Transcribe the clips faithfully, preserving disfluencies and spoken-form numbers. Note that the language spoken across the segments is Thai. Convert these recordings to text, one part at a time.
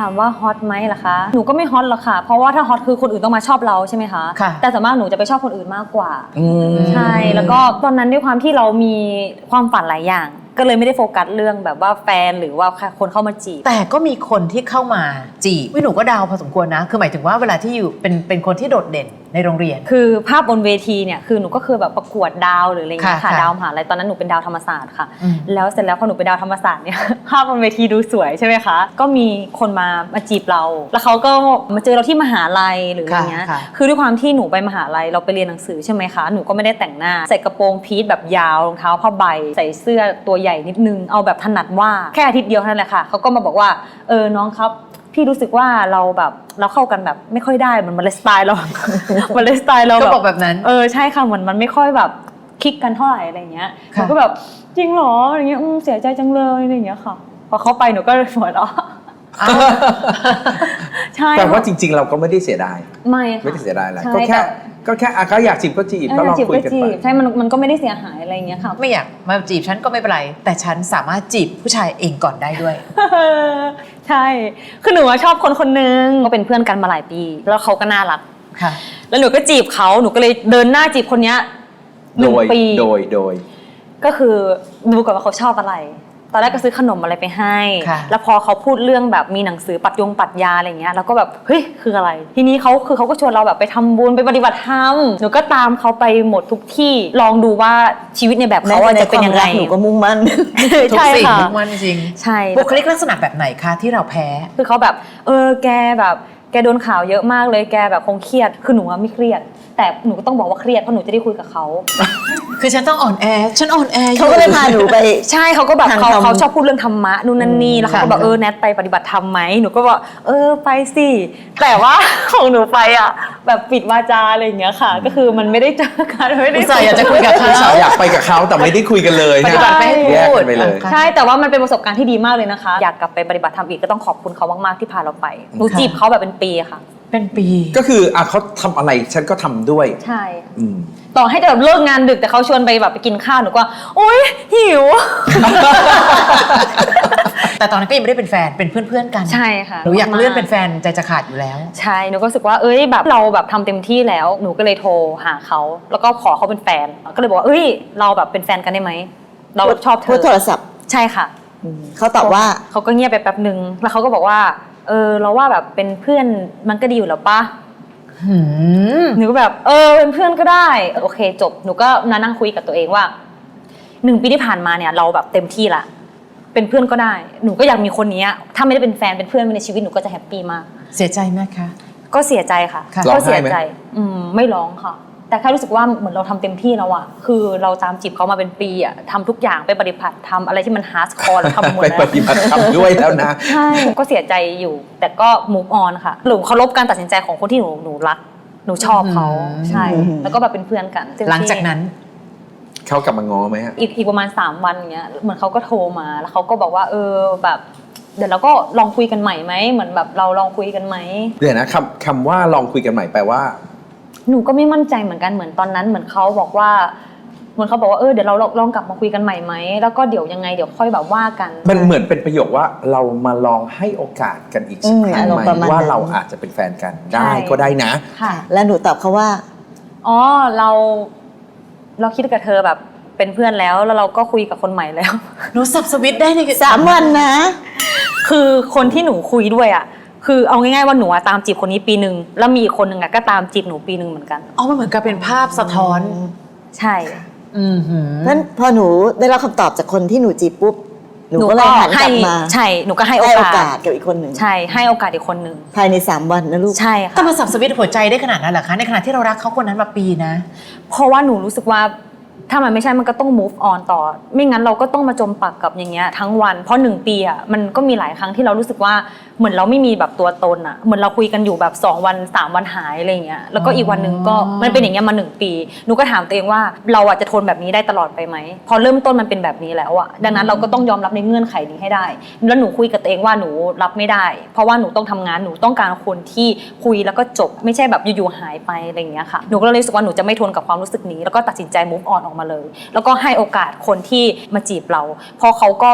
ามว่าฮอตไหมล่ะคะหนูก็ไม่ฮอตหรอกค่ะเพราะว่าถ้าฮอตคือคนอื่นต้องมาชอบเราใช่ไหมคะแต่ส่วนมากหนูจะไปชอบคนอื่นมากกว่าใช่แล้วก็ตอนนั้นด้วยความที่เรามีความฝันหลายอย่างก็เลยไม่ได้โฟกัสเรื่องแบบว่าแฟนหรือว่าคนเข้ามาจีบแต่ก็มีคนที่เข้ามาจีบหนูก็ดาวพอสมควรนะคือหมายถึงว่าเวลาที่อยู่เป็นเป็นคนที่โดดเด่นในโรงเรียนคือภาพบนเวทีเนี่ยคือหนูก็คือแบบประกวดดาวหรืออะไรอย่างเงี้ยค่ะดาวมหาลัยตอนนั้นหนูเป็นดาวธรรมศาสตร์ค่ะแล้วเสร็จแล้วพอหนูเป็นดาวธรรมศาสตร์เนี่ยภาพบนเวทีดูสวยใช่ไหมคะก็มีคนมามาจีบเราแล้วเขาก็มาเจอเราที่มหาลัยหรืออะไรเงี้ยคือด้วยความที่หนูไปมหาลัยเราไปเรียนหนังสือใช่ไหมคะหนูก็ไม่ได้แต่งหน้าใส่กระโปรงพีทแบบยาวรองเท้าผ้าใบใส่เสื้อตัวใหญ่นิดนึงเอาแบบถนัดว่าแค่อาทิตย์เดียวเท่านั้นแหละค่ะเขาก็มาบอกว่าเออน้องครับพี่รู้สึกว่าเราแบบเราเข้ากันแบบไม่ค่อยได้เหมือนมันเลยสไตล์เรามันเลยสไตล์เราก็บอกแบบนั้นเออใช่ค่ะเหมือนมันไม่ค่อยแบบคลิกกันเท่าไหร่อะไรเงี้ยหนูก็แบบจริงเหรออะไรเงี้ยเสียใจจังเลยอะไรเงี้ยค่ะพอเขาไปหนูก็หัวเราะใช่แต่ว่าจริงๆเราก็ไม่ได้เสียดายไม่ไม่ได้เสียดายอะไรก็แค่ก็แค่เขาอยากจีบก็จีบก็ลองคุยกันไปใช่มันมันก็ไม่ได้เสียหายอะไรเงี้ยค่ะไม่อยากมาจีบฉันก็ไม่เป็นไรแต่ฉันสามารถจีบผู้ชายเองก่อนได้ด้วยใช่คือหนูชอบคนคนนึงก็เป็นเพื่อนกันมาหลายปีแล้วเขาก็น่ารักค่ะแล้วหนูก็จีบเขาหนูก็เลยเดินหน้าจีบคนนี้หนึ่งปีโดยโดยก็คือดูก่อนว่าเขาชอบอะไรตอนแรกก็ซื้อขนมอะไรไปให้แล้วพอเขาพูดเรื่องแบบมีหนังสือปรัชญงปรัชญาอะไรเงี้ยเราก็แบบเฮ้ยคืออะไรทีนี้เขาคือเขาก็ชวนเราแบบไปทำบุญไปปฏิบัติธรรมหนูก็ตามเขาไปหมดทุกที่ลองดูว่าชีวิตในแบบเขาจะเป็นยังไงหนูก็มุ่งมั่นทุกสิ่งมุ่งมั่นจริงใช่บุคลิกลักษณะแบบไหนคะที่เราแพ้คือเขาแบบเออแกแบบแกโดนข่าวเยอะมากเลยแกแบบคงเครียดคือหนูไม่เครียดแต่หนูก็ต้องบอกว่าเครียดเพราะหนูจะได้คุยกับเขาคือฉันต้องอ่อนแอฉันอ่อนแอเขาก็เลยพาหนูไปใช่เขาก็แบบเขาเขาชอบพูดเรื่องธรรมะนู่นนั่นนี่แล้วเขาก็บอกเออแนทไปปฏิบัติธรรมไหมหนูก็บอกเออไปสิแต่ว่าของหนูไปอ่ะแบบปิดวาจาอะไรอย่างเงี้ยค่ะก็คือมันไม่ได้เจอกันไม่ได้อยากจะคุยกับเขาอยากไปกับเขาแต่ไม่ได้คุยกันเลยปฏิบัติไม่แยกพูดไปเลยใช่แต่ว่ามันเป็นประสบการณ์ที่ดีมากเลยนะคะอยากกลับไปปฏิบัติธรรมอีกก็ต้องขอบคุณเขามากๆที่พาเราไปหนูจีบเขาแบบเป็นปีค่ะเป็นปีก็คืออ่ะเขาทำอะไรฉันก็ทำด้วยใช่ต่อให้จะแบบเลิกงานดึกแต่เขาชวนไปแบบไปกินข้าวหนูก็โอ๊ยหิวแต่ตอนนั้นก็ยังไม่ได้เป็นแฟนเป็นเพื่อนๆกันใช่ค่ะหนูอยากเลื่อนเป็นแฟนใจจะขาดอยู่แล้วใช่หนูก็รู้สึกว่าเอ้ยแบบเราแบบทำเต็มที่แล้วหนูก็เลยโทรหาเขาแล้วก็ขอเขาเป็นแฟนก็เลยบอกว่าเอ้ยเราแบบเป็นแฟนกันได้ไหมเราชอบเธอโทรศัพท์ใช่ค่ะเขาตอบว่าเขาก็เงียบไปแป๊บนึงแล้วเขาก็บอกว่าเออเราว่าแบบเป็นเพื่อนมันก็ดีอยู่แล้วปะหนูก็แบบเออเป็นเพื่อนก็ได้โอเคจบหนูก็นั่งคุยกับตัวเองว่าหนึ่งปีที่ผ่านมาเนี่ยเราแบบเต็มที่ละเป็นเพื่อนก็ได้หนูก็อยากมีคนนี้ถ้าไม่ได้เป็นแฟนเป็นเพื่อนในชีวิตหนูก็จะแฮปปี้มากเสียใจไหมคะก็เสียใจค่ะก็เสียใจอืมไม่ร้องค่ะแต่แค่รู้สึกว่าเหมือนเราทำเต็มที่แล้วอะคือเราตามจีบเขามาเป็นปีอะทำทุกอย่างไปปฏิบัติทำอะไรที่มันฮาร์ดคอร์เราทำหมดแล้วไปปฏิบัติทำด้วยแล้วนะใช่ก็เสียใจอยู่แต่ก็ move on ค่ะหนูเคารพการตัดสินใจของคนที่หนูหนูรักหนูชอบเขาใช่แล้วก็แบบเป็นเพื่อนกันหลังจากนั้นเขากลับมาง้อไหมฮะอีกอีกประมาณสามวันเงี้ยเหมือนเขาก็โทรมาแล้วเขาก็บอกว่าเออแบบเดี๋ยวเราก็ลองคุยกันใหม่ไหมเหมือนแบบเราลองคุยกันไหมเดี๋ยวนะคำคำว่าลองคุยกันใหม่แปลว่าหนูก็ไม่มั่นใจเหมือนกันเหมือนตอนนั้นเหมือนเขาบอกว่าเหมือนเขาบอกว่าเออเดี๋ยวเราลองกลับมาคุยกันใหม่ไหมแล้วก็เดี๋ยวยังไงเดี๋ยวค่อยแบบว่ากันมันเหมือนเป็นประโยคว่าเรามาลองให้โอกาสกันอีกสักครั้งไหมว่าเราอาจจะเป็นแฟนกันได้ก็ได้นะค่ะแล้วหนูตอบเขาว่าอ๋อเราเราคิดกับเธอแบบเป็นเพื่อนแล้วแล้วเราก็คุยกับคนใหม่แล้วหนูสับสวิตได้ในสามวันนะคือคนที่หนูคุยด้วยอ่ะคือเอาง่ายๆว่าหนูตามจีบคนนี้ปีนึงแล้วมีอีกคนนึงอ่ะก็ตามจีบหนูปีนึงเหมือนกันอ๋อมันเหมือนกับเป็นภาพสะท้อนใช่อือหือนั้นพอหนูได้รับคำตอบจากคนที่หนูจีบปุ๊บหนูก็เลยหันกลับมาใช่หนูก็ให้โอกาสกับอีกคนหนึ่งใช่ให้โอกาสอีกคนหนึ่งภายในสามวันนะลูกใช่ค่ะแต่มาสับสวิตหัวใจได้ขนาดนั้นเหรอคะในขณะที่เรารักเขาคนนั้นมาปีนะเพราะว่าหนูรู้สึกว่าถ้ามันไม่ใช่มันก็ต้อง move on ต่อไม่งั้นเราก็ต้องมาจมปักกับอย่างเงี้ยทั้งวันเพราะหนึ่งปีอ่ะมันก็มีหลายครั้งที่เรารู้สึกว่าเหมือนเราไม่มีแบบตัวตนอ่ะเหมือนเราคุยกันอยู่แบบสองวันสามวันหายอะไรอย่างเงี้ยแล้วก็อีกวันนึงก็มันเป็นอย่างเงี้ยมาหนึ่งปีหนูก็ถามตัวเองว่าเราอ่ะจะทนแบบนี้ได้ตลอดไปไหมพอเริ่มต้นมันเป็นแบบนี้แล้วอ่ะดังนั้นเราก็ต้องยอมรับในเงื่อนไขนี้ให้ได้แล้วหนูคุยกับตัวเองว่าหนูรับไม่ได้เพราะว่าหนูต้องทำงานหนูต้องการคนที่คุยแล้วก็จบไม่ใช่แบบอยู่ๆหายไปอะไรอย่างเงี้ยค่ะหนูก็เลยรู้สึกว่าหนูจะไม่ทนกับความรู้สึกนี้แล้วก็ตัดสินใจ move on ออกมาเลยแล้วก็ให้โอกาสคนที่มาจีบเราเพราะเขาก็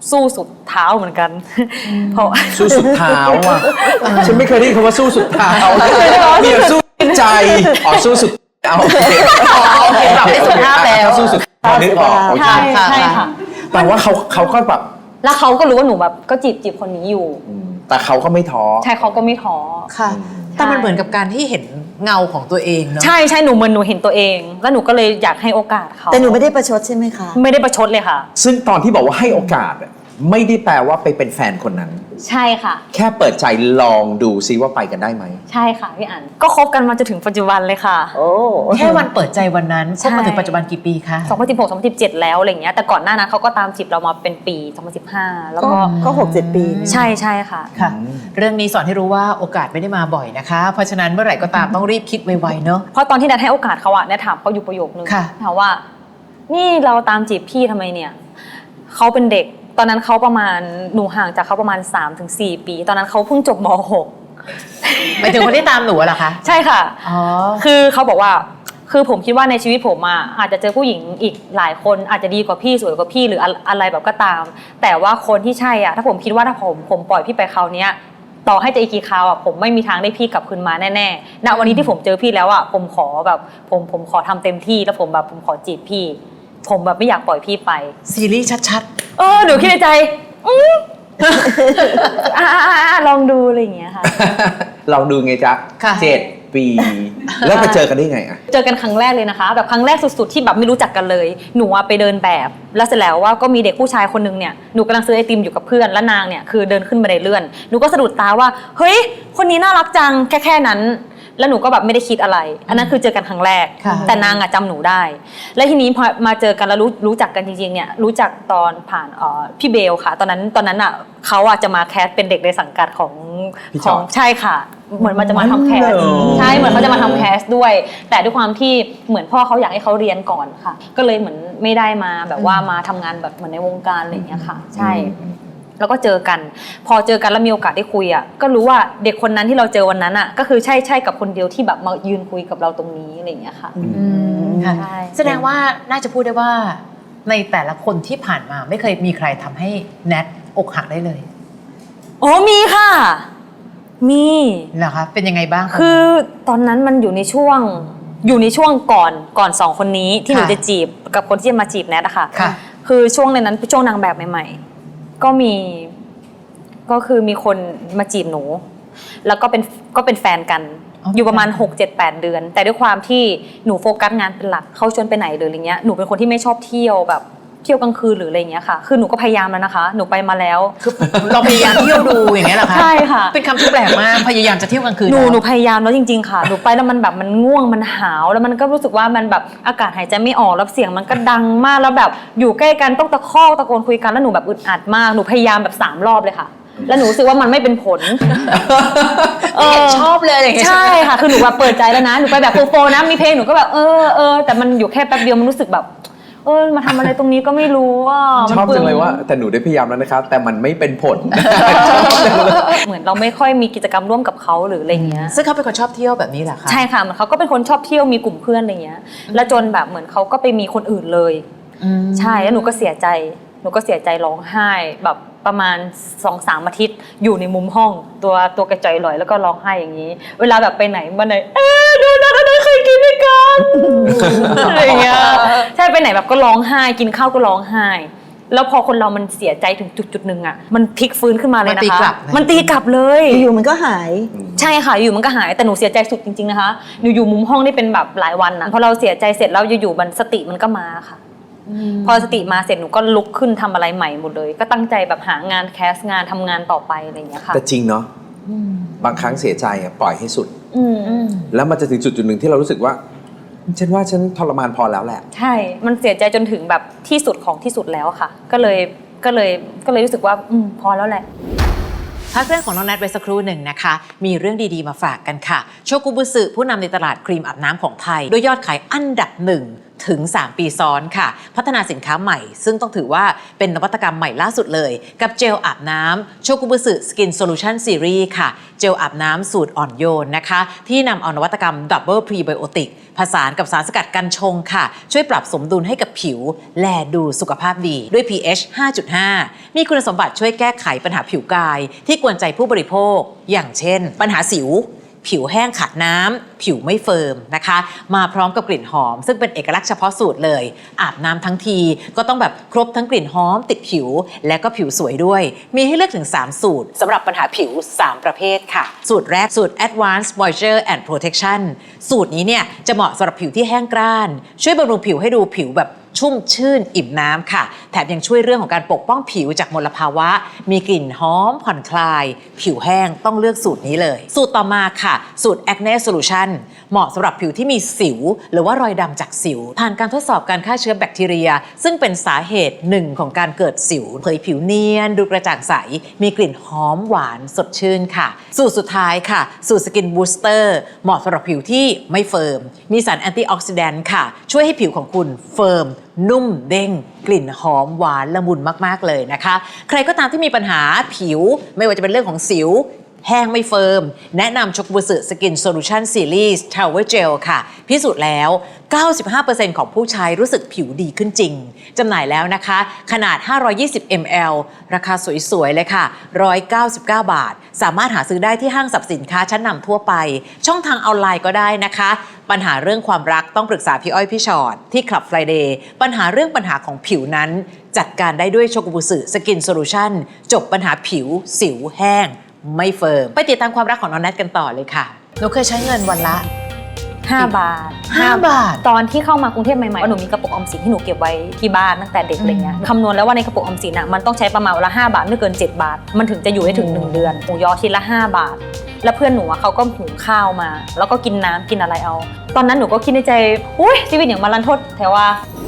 สู้สุดเท้าเหมือนกันเพราะสู้สุดเท้าอ่ะฉันไม่เคยได้ยินคำว่าสู้สุดเท้ามีแต่สู้ใจอ๋อสู้สุดเอาโอเคโอเคปรับให้สุภาพแล้วสู้สุดพอนึกออกโอเคใช่ใช่ค่ะแต่ว่าเขาเขาก็แบบแล้วเขาก็รู้ว่าหนูแบบก็จีบจีบคนนี้อยู่แต่เขาก็ไม่ท้อใช่เขาก็ไม่ท้อค่ะแต่มันเหมือนกับการที่เห็นเงาของตัวเองเนาะใช่ใช่หนูเหมือนหนูเห็นตัวเอง แล้วหนูก็เลยอยากให้โอกาสเขาแต่หนูไม่ได้ประชดใช่ไหมคะไม่ได้ประชดเลยค่ะซึ่งตอนที่บอกว่าให้โอกาสอะไม่ได้แปลว่าไปเป็นแฟนคนนั้นใช่ค่ะแค่เปิดใจลองดูซิว่าไปกันได้ไหมใช่ค่ะพี่อันก็คบกันมาจนถึงปัจจุบันเลยค่ะโอ้แค่วันเปิดใจวันนั้นคใช่บมาถึงปัจจุบันกี่ปีคะสองพันสิบหก สองพันสิบเจ็ดแล้วอะไรเงี้ยแต่ก่อนหน้านั้นเขาก็ตามจีบเรามาเป็นปีสองพันสิบห้าแล้วก็ก็ก็หกเจ็ดปีนี่ใช่ใช่ค่ะค่ะอืมเรื่องนี้สอนให้รู้ว่าโอกาสไม่ได้มาบ่อยนะคะ เพราะฉะนั้นเมื่อไหร่ก็ตามต้องรีบคิดไวๆเนาะเพราะตอนที่แนทให้โอกาสเขาอะแนทถามเขาอยู่ประโยคนึงค่ะถามว่า นี่เราตามจีบพี่ทำไมเนี่ยเขาเป็นเด็กตอนนั้นเขาประมาณหนูห่างจากเขาประมาณ สามถึงสี่ ปี ตอนนั้นเขาเพิ่งจบม หกหมายถึงคนที่ตามหนูอะเหรอคะใช่ค่ะอ๋อคือเขาบอกว่าคือผมคิดว่าในชีวิตผมอะอาจจะเจอผู้หญิงอีกหลายคนอาจจะดีกว่าพี่สวยกว่าพี่หรืออะอะไรแบบก็ตาม แต่ว่าคนที่ใช่อะถ้าผมคิดว่าถ้าผมผมปล่อยพี่ไปคราวเนี้ยต่อให้จะอีกกี่คราวอะผมไม่มีทางได้พี่กลับคืนมาแน่ๆณวันนี้ที่ผมเจอพี่แล้วอะผมขอแบบผมผมขอทำเต็มที่แล้วผมแบบผมขอจีบพี่ ผมแบบไม่อยากปล่อยพี่ไปซีรีส์ชัดเออหนูคิดในใจอืม อ่าๆๆลองดูอะไรอย่างเงี้ยค่ะลองดูไงจ๊ะค่ะเจ็ดปี แล้วไปเจอกันได้ไงอะเจอกันครั้งแรกเลยนะคะแบบครั้งแรกสุดๆที่แบบไม่รู้จักกันเลยหนูอะไปเดินแบบ แล้วเสร็จแล้วว่าก็มีเด็กผู้ชายคนนึงเนี่ยหนูกำลังซื้อไอติมอยู่กับเพื่อนและนางเนี่ยคือเดินขึ้นบันไดเลื่อนหนูก็สะดุดตาว่าเฮ้ยคนนี้น่ารักจังแค่แค่นั้น แล้วหนูก็แบบไม่ได้คิดอะไร อันนั้นคือเจอกันครั้งแรกค่ะแต่นางอะจำหนูได้ และทีนี้พอมาเจอกันแล้วรู้รู้จักกันจริงๆเนี่ยรู้จักตอนผ่านเอ่อพี่เบลค่ะ ตอนนั้นตอนนั้นอะเขาอะจะมาแคสเป็นเด็กในสังกัดของพี่ขจออง ยใช่ค่ะ เหมือนมันจะมาทำแคสอ๋อใช่เหมือนเขาจะมาทำแคสด้วย แต่ด้วยความที่เหมือนพ่อเขาอยากให้เขาเรียนก่อนค่ะ ก็เลยเหมือนไม่ได้มาแบบว่ามาทำงานแบบเหมือนในวงการอะไรอย่างเงี้ยค่ะ ใช่ แล้วก็เจอกัน พอเจอกันแล้วมีโอกาสได้คุยอ่ะก็รู้ว่าเด็กคนนั้นที่เราเจอวันนั้นอ่ะก็คือใช่ใช่กับคนเดียวที่แบบมายืนคุยกับเราตรงนี้อะไรอย่างเงี้ยค่ะๆอืมค่ะใช่แสดงว่าน่าจะพูดได้ว่า ในแต่ละคนที่ผ่านมาไม่เคยมีใครทำให้แนทอกหักได้เลยโอ้มีค่ะ มีเหรอคะเป็นยังไงบ้างะคือตอนนั้นมันอยู่ในช่วงอยู่ในช่วงก่อนก่อนสองคนนี้ที่หนูค่ะจะจีบกับคนที่จะมาจีบแนทอะค่ะค่ะคือช่วงในนั้นเป็นช่วงนางแบบใหม่ๆ ก็มีก็คือมีคนมาจีบหนู แล้วก็เป็นก็เป็นแฟนกันอ๋ออยู่ประมาณ หก เจ็ด แปด เดือน แต่ด้วยความที่หนูโฟกัสงานเป็นหลักเขาชวนไปไหนหรืออะไรเงี้ยหนูเป็นคนที่ไม่ชอบเที่ยวแบบเที่ยวกลางคืนหรืออะไรเงี้ยค่ะ คือหนูก็พยายามแล้วนะคะ หนูไปมาแล้วคือเราพยายามเที่ยวดูอย่างเงี้ยเหรอคะใช่ค่ะเป็นคำที่แปลกมากพยายามจะเที่ยวกลางคืนหนูแล้วหนูพยายามแล้วจริงๆค่ะ หนูไปแล้วมันแบบมันง่วงมันหาวแล้วมันก็รู้สึกว่ามันแบบอากาศหายใจไม่ออกแล้วเสียงมันก็ดังมากแล้วแบบอยู่ใกล้กันต้องตะคอกตะโกนคุยกันแล้วหนูแบบอึดอัดมากหนูพยายามแบบสามรอบเลยค่ะ แล้วหนูรู้สึกว่ามันไม่เป็นผลไม่เห็นชอบเลยอย่างเงี้ยใช่ค่ะคือหนูแบบเปิดใจแล้วนะหนูไปแบบโฟๆนะมีเพลงหนูก็แบบเออเออแต่มันอยู่แค่แป๊บเดียวมันรู้สึกแบบเออมาทำอะไรตรงนี้ก็ไม่รู้ว่าชอบจังเลยว่า แต่หนูได้พยายามแล้วนะคะแต่มันไม่เป็นผลเหมือนเราไม่ค่อยมีกิจกรรมร่วมกับเขาหรืออะไรเงี้ยซึ่งเขาเป็นคนชอบเที่ยวแบบนี้เหรอคะใช่ค่ะเหมือนเขาก็เป็นคนชอบเที่ยวมีกลุ่มเพื่อนอะไรเงี้ย แล้วจนแบบเหมือนเขาก็ไปมีคนอื่นเลยอืมใช่แล้วหนูก็เสียใจหนูก็เสียใจร้องไห้แบบประมาณสองสามอาทิตย์อยู่ในมุมห้อง ตัวตัวกระจอยลอยแล้วก็ร้องไห้อย่างนี้ เวลาแบบไปไหนมาไหนเอ๊ะดูนะกันเคยกินด้วยกันอะไรเงี้ยใช่ไปไหนแบบก็ร้องไห้กินข้าวก็ร้องไห้ แล้วพอคนเรามันเสียใจถึงจุดจุดๆหนึ่งอ่ะมันพลิกฟื้นขึ้นมาเลยนะคะมันตีกลับเลยอยู่ๆมันก็หายใช่ค่ะอยู่มันก็หายแต่หนูเสียใจสุดจริงๆนะคะหนูอยู่มุมห้องได้เป็นแบบหลายวันนะพอเราเสียใจเสร็จแล้วอยู่ๆมันสติมันก็มาค่ะ พอสติมาเสร็จหนูก็ลุกขึ้นทำอะไรใหม่หมดเลย ก็ตั้งใจแบบหางานแคสงานทำงานต่อไปอะไรอย่างเงี้ยค่ะแต่จริงเนาะบางครั้งเสียใจอะปล่อยให้สุดอืมอืมแล้วมันจะถึงจุดจุดหนึ่งที่เรารู้สึกว่าฉันว่าฉันทรมานพอแล้วแหละใช่มันเสียใจจนถึงแบบที่สุดของที่สุดแล้วค่ะ ก็เลยก็เลยก็เลยรู้สึกว่าอืมพอแล้วแหละพักเรื่องของน้องแนทไว้สักครู่หนึ่งนะคะ มีเรื่องดีๆมาฝากกันค่ะ โชกุบุสึผู้นำในตลาดครีมอาบน้ำของไทย ด้วยยอดขายอันดับหนึ่งถึงสามปีซ้อนค่ะพัฒนาสินค้าใหม่ซึ่งต้องถือว่าเป็นนวัตกรรมใหม่ล่าสุดเลยกับเจลอาบน้ำโชกุบุสึสกินโซลูชันซีรีส์ค่ะเจลอาบน้ำสูตรอ่อนโยนนะคะที่นำเอานวัตกรรมดับเบิลพรีไบโอติกผสานกับสารสกัดกันชงค่ะช่วยปรับสมดุลให้กับผิวแลดูสุขภาพดีด้วย พี เอช ห้าจุดห้า มีคุณสมบัติช่วยแก้ไขปัญหาผิวกายที่กวนใจผู้บริโภคอย่างเช่นปัญหาสิวผิวแห้งขาดน้ำผิวไม่เฟิร์มนะคะมาพร้อมกับกลิ่นหอมซึ่งเป็นเอกลักษณ์เฉพาะสูตรเลยอาบน้ำทั้งทีก็ต้องแบบครบทั้งกลิ่นหอมติดผิวและก็ผิวสวยด้วยมีให้เลือกถึงสามสูตรสำหรับปัญหาผิวสามประเภทค่ะสูตรแรกสูตร Advanced Moisture and Protection สูตรนี้เนี่ยจะเหมาะสำหรับผิวที่แห้งกร้านช่วยบำรุงผิวให้ดูผิวแบบชุ่มชื่นอิ่มน้ำค่ะแถมยังช่วยเรื่องของการปกป้องผิวจากมลภาวะมีกลิ่นหอมผ่อนคลายผิวแห้งต้องเลือกสูตรนี้เลยสูตรต่อมาค่ะสูตร Acne Solution เหมาะสำหรับผิวที่มีสิวหรือว่ารอยดำจากสิวผ่านการทดสอบการฆ่าเชื้อแบคทีเรียซึ่งเป็นสาเหตุหนึ่งของการเกิดสิวเผยผิวเนียนดูกระจ่างใสมีกลิ่นหอมหวานสดชื่นค่ะสูตรสุดท้ายค่ะสูตร Skin Booster เหมาะสำหรับผิวที่ไม่เฟิร์มมีสารแอนตี้ออกซิแดนต์ค่ะช่วยให้ผิวของคุณเฟิร์มนุ่มเด้งกลิ่นหอมหวานละมุนมากๆเลยนะคะใครก็ตามที่มีปัญหาผิวไม่ว่าจะเป็นเรื่องของสิวแห้งไม่เฟิร์มแนะนำโชกุบุสึสกินโซลูชันซีรีส์ทาวเวอร์เจลค่ะพิสูจน์แล้ว เก้าสิบห้าเปอร์เซ็นต์ ของผู้ใช้รู้สึกผิวดีขึ้นจริงจำหน่ายแล้วนะคะขนาดห้าร้อยยี่สิบมิลลิลิตร ราคาสวยๆเลยค่ะหนึ่งร้อยเก้าสิบเก้าบาทสามารถหาซื้อได้ที่ห้างสรรพสินค้าชั้นนำทั่วไปช่องทางออนไลน์ก็ได้นะคะปัญหาเรื่องความรักต้องปรึกษาพี่อ้อยพี่ชอตที่ Club Friday ปัญหาเรื่องปัญหาของผิวนั้นจัดการได้ด้วยโชกุบุสึสกินโซลูชันจบปัญหาผิวสิวแห้งไม่เฟิร์มไปติดตามความรักของน้องแนทกันต่อเลยค่ะหนูเคยใช้เงินวันละห้าบาทห้าบาทตอนที่เข้ามากรุงเทพใหม่ๆหนูมีกระปุกออมสินที่หนูเก็บไว้ที่บ้านตั้งแต่เด็กอะไรเงี้ยคำนวณแล้วว่าในกระปุกออมสินอ่ะมันต้องใช้ประมาณวันละห้าบาทไม่เกินเจ็ดบาทมันถึงจะอยู่ได้ถึงหนึ่งเดือนหมูยอชิ้นละห้าบาทแล้วเพื่อนหนูอ่ะเขาก็หุงข้าวมาแล้วก็กินน้ำกินอะไรเอาตอนนั้นหนูก็คิดในใจอุ้ยชีวิตอย่างมารันทดแต่ว่า